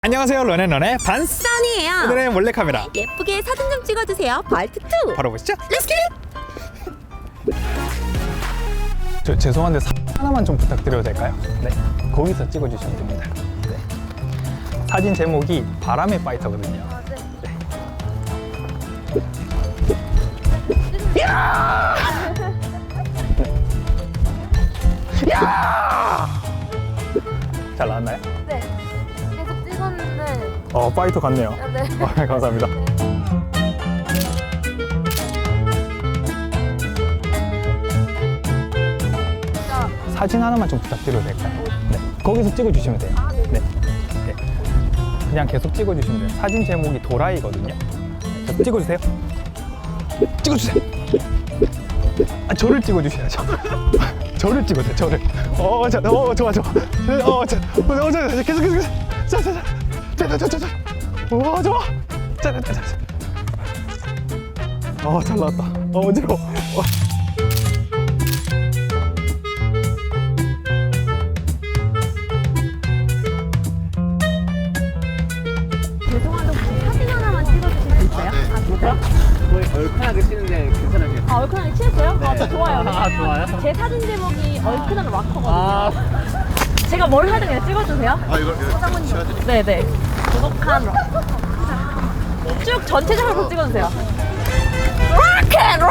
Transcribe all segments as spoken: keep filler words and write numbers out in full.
안녕하세요, 런앤런의 반스 써니예요. 오늘의 몰래카메라 예쁘게 사진 좀 찍어주세요. 파트 투. 바로 보시죠. Let's get it. 저 죄송한데 사 하나만 좀 부탁드려도 될까요? 네, 거기서 찍어주시면 됩니다. 네. 사진 제목이 바람의 파이터거든요. 네. 야! 네. 야! 잘 나왔나요? 네, 계속 찍었는데. 어, 파이터 같네요. 네. 어, 감사합니다. 사진 하나만 좀 부탁드려도 될까요? 네, 거기서 찍어주시면 돼요. 아, 네. 네. 네. 그냥 계속 찍어주시면 돼요. 사진 제목이 도라이거든요. 자, 찍어주세요. 찍어주세요. 아, 저를 찍어주셔야죠. 저를 찍으세요. 저를. 어, 자, 어, 좋아, 좋아. 어, 자, 어, 자, 자, 계속, 계속, 자, 자, 자, 자, 자, 자, 자, 자. 와, 좋아. 자, 자, 자, 자. 어, 잘 나왔다. 어, 어지러워. 어. 죄송한데 혹시 사진 하나만 찍어주실 수 있어요? 아, 진짜요? 거의 얼큰하게 치는데 괜찮으세요? 아, 얼큰하게 치셨어요? 네. 아, 저 좋아요. 아, 좋아요? 제 사진 제목이 얼큰한 락커거든요. 아, 제가 뭘 하든 그냥 찍어주세요. 아 이걸 이거 치워드릴게요. 네네. 고독한 락. 쭉 전체적으로 찍어주세요. 락앤롤!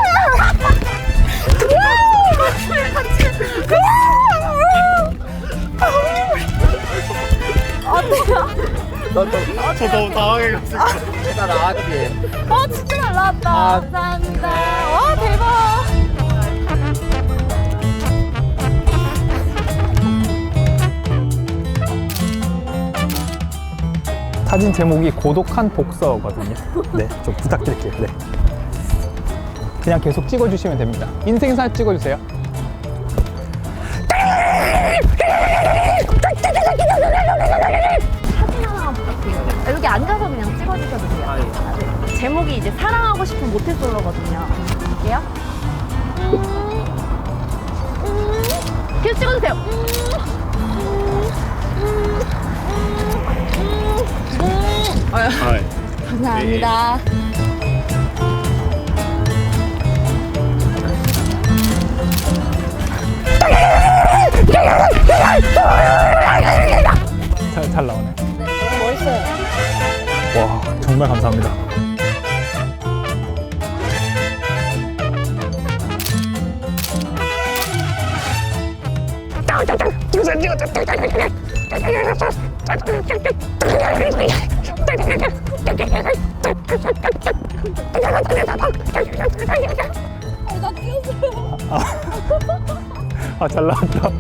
어때요? 저 너무 당황해가지고. 나 나왔지. 어, 진짜 잘 나왔다. 아. 감사합니다. 와, 대박. 사진 제목이 고독한 복서거든요. 네, 좀 부탁드릴게요. 네. 그냥 계속 찍어주시면 됩니다. 인생샷 찍어주세요. 사진 하나만 부탁드려요. 여기 앉아서 그냥 찍어주셔도 돼요. 아, 예. 아, 네. 제목이 이제 사랑하고 싶은 모태솔로거든요. 볼게요. 음, 음, 계속 찍어주세요. 음, 음, 음, 음, 음. 아, 감사합니다. 잘, 잘 나오네. 너무 멋있어요. 와, 정말 감사합니다. 나 찍었어요. 아, 잘 나왔다.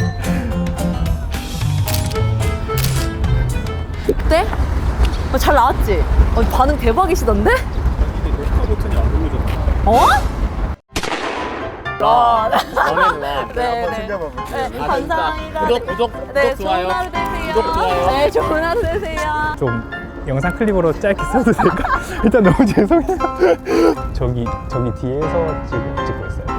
어때? 어, 잘 나왔지? 어, 반응 대박이시던데? 녹화 버튼이 안 누르잖아. 어? 어, 너네는 나. 네, 한번 네. 챙겨봐. 네, 감사합니다. 구독, 구독, 네, 구독, 좋아요. 좋은 하루 되세요. 구독, 좋아요. 네, 좋은 하루 되세요. 좀 영상 클립으로 짧게 써도 될까? 일단 너무 죄송해요. 저기, 저기 뒤에서 지금 찍고 있어요.